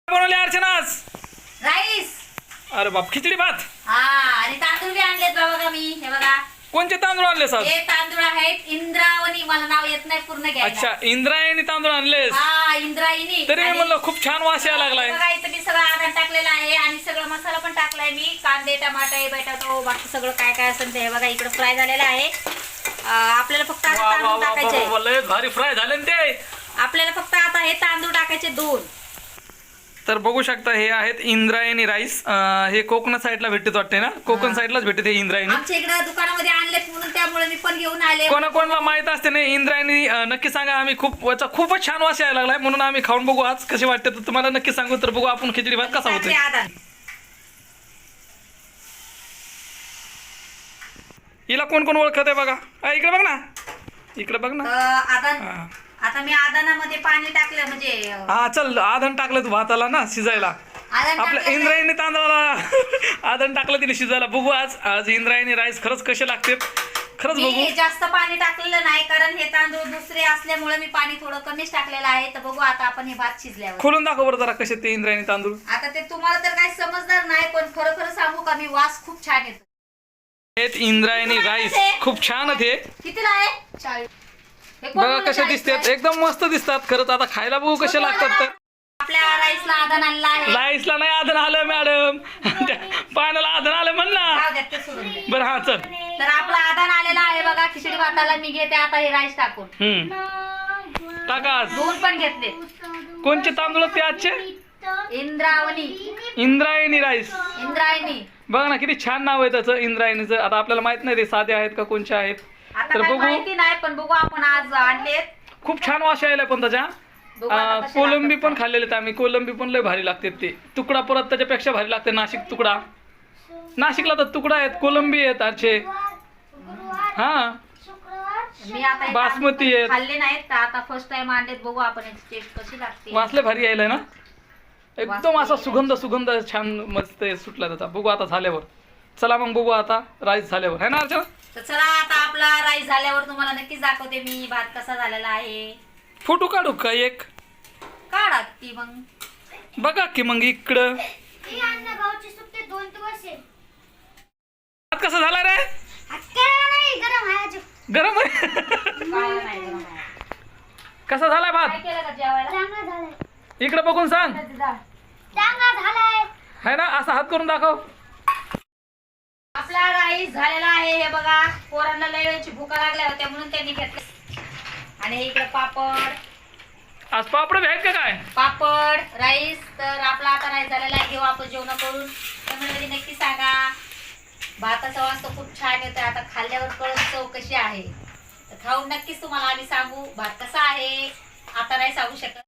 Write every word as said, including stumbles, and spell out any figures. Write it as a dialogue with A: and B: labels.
A: बनवले अर्चनाच
B: राईस.
A: अरे बाप खिचडी भात.
B: हा आणि तांदूळ बी आणलेत बघा मी. हे बघा
A: कोणते तांदूळ आणले सर?
B: हे तांदूळ आहेत इंद्रावणी. मला नाव येत नाही पूर्ण घ्यायला.
A: अच्छा इंद्रायणी तांदूळ आणलेस.
B: हा इंद्रायणी.
A: तरी मी म्हणलं खूप छान वास यायला लागलाय.
B: बघा इथं मी सगळं आधार टाकलेला आहे आणि सगळं मसाला पण टाकलाय मी. कांदे टमाटे बटाटो बाकी सगळं काय काय असेल ते. हे बघा इकडे फ्राय झालेलं आहे. आपल्याला फक्त आता तांदूळ टाकायचे.
A: लय भारी फ्राय झाले ते.
B: आपल्याला फक्त आता हे तांदूळ टाकायचे दोन.
A: तर बघू शकता हे आहेत इंद्रायणी राईस. हे कोकण साईडला भेटते वाटते ना? कोकण साईडलाच भेटते हे इंद्रायणी.
B: आमच्या इकडे दुकानामध्ये आणलेत म्हणून त्यामुळे मी पण घेऊन आले.
A: कोणा कोणाला माहित असते ना इंद्रायणी नक्की सांगा. आम्ही खूप याचा खूपच छान वास यायला लागलाय म्हणून आम्ही खाऊन बघू आज कसे वाटते तर तुम्हाला नक्की सांगू. तर बघू आपण खिचडी भात कसा होतोय. हिला कोण कोण ओळखत आहे बघा. इकडे बघ ना, इकडे बघ ना.
B: आता आता मी आदानामध्ये पाणी टाकलं म्हणजे
A: हा चल आधण टाकलं तू भाताला ना शिजायला. आपल्या इंद्रायणी तांदळाला आधण टाकलं तिने शिजायला. बघू आज आज इंद्रायणी राईस खरंच कसे लागते खरंच बघू.
B: जास्त पाणी टाकलेलं नाही कारण हे तांदूळ दुसरे असल्यामुळे मी पाणी थोडं कमीच टाकलेलं आहे. तर बघू आता आपण हे भात शिजल्यावर.
A: खोलून दाखव बरं जरा कसे ते इंद्रायणी तांदूळ.
B: आता ते तुम्हाला तर काही समजणार नाही पण खरं खरं सांगू का मी वास खूप छान येतो.
A: इंद्रायणी राईस खूप छान आहे.
B: कितीला आहे? चाळीस.
A: बघा कसे दिसतात एकदम मस्त दिसतात खरंच. आता खायला बघू कसे लागतात. तर
B: आपल्या राईसला आधान आणला आहे.
A: राईसला नाही आधण आलं मॅडम. पाण्याला आधण आलं म्हण ना. बरं हा चल.
B: तर आपला आधान आलेला आहे बघा खिचडी भाताला. मी घेते आता हे राईस टाकून.
A: हम्म टाका.
B: दोन पण घेतले.
A: कोणचे तांदूळ ते आजचे?
B: इंद्रावणी
A: इंद्रायणी राईस.
B: इंद्रायणी
A: बघा ना किती छान नाव आहे त्याचं इंद्रायणीचं. आता आपल्याला माहित नाही ते साधे आहेत का कोणचे आहेत. तर बघू
B: माहिती नाही पण बघू आपण आज आणलेत.
A: खूप छान वास यायला पण त्याच्या. कोलंबी पण खाल्लेले आम्ही. कोलंबी पण लय भारी लागते ते. तुकडा परत त्याच्यापेक्षा भारी लागते. नाशिक तुकडा. नाशिकला तर तुकडा आहेत कोलंबी आहेत आजचे. हा
B: मी आता
A: बासमती आहेत.
B: खाल्ले नाहीत आता फर्स्ट टाइम आणलेत. बघू आपण याची टेस्ट कशी लागते.
A: वासले भारी यायला ना. एकदम असा सुगंध सुगंध छान मस्त सुटला त्याचा. बघू आता झाल्यावर. चला मग बघू आता राईस झाल्यावर है ना अर्चना.
B: तर चला आता आपला राईस झाल्यावर तुम्हाला नक्कीच दाखवते मी भात कसा झालेला आहे.
A: फोटो काढू का एक?
B: काढा ती मग
A: बघा की मग इकडं भात कसा झाला रे? गरम आहे. कसा झालाय भात? इकडे बघून सांग. है ना असा हात करून दाखव.
B: आपला राईस झालेला आहे. हे बघा पोरांना लय वेळची भुका लागल्या होत्या म्हणून त्यांनी घेतलं. आणि इकडे पापड.
A: आज पापड आहेत का काय?
B: पापड राईस. तर आपला आता राईस झालेला आहे. घेऊ आपण जेवण करून. त्यामुळे नक्की सांगा. भाताचा वास तर खूप छान येतोय. आता खाल्ल्यावर कळत चव कशी आहे. तर खाऊन नक्कीच तुम्हाला आम्ही सांगू भात कसा आहे. आता नाही सांगू शकत.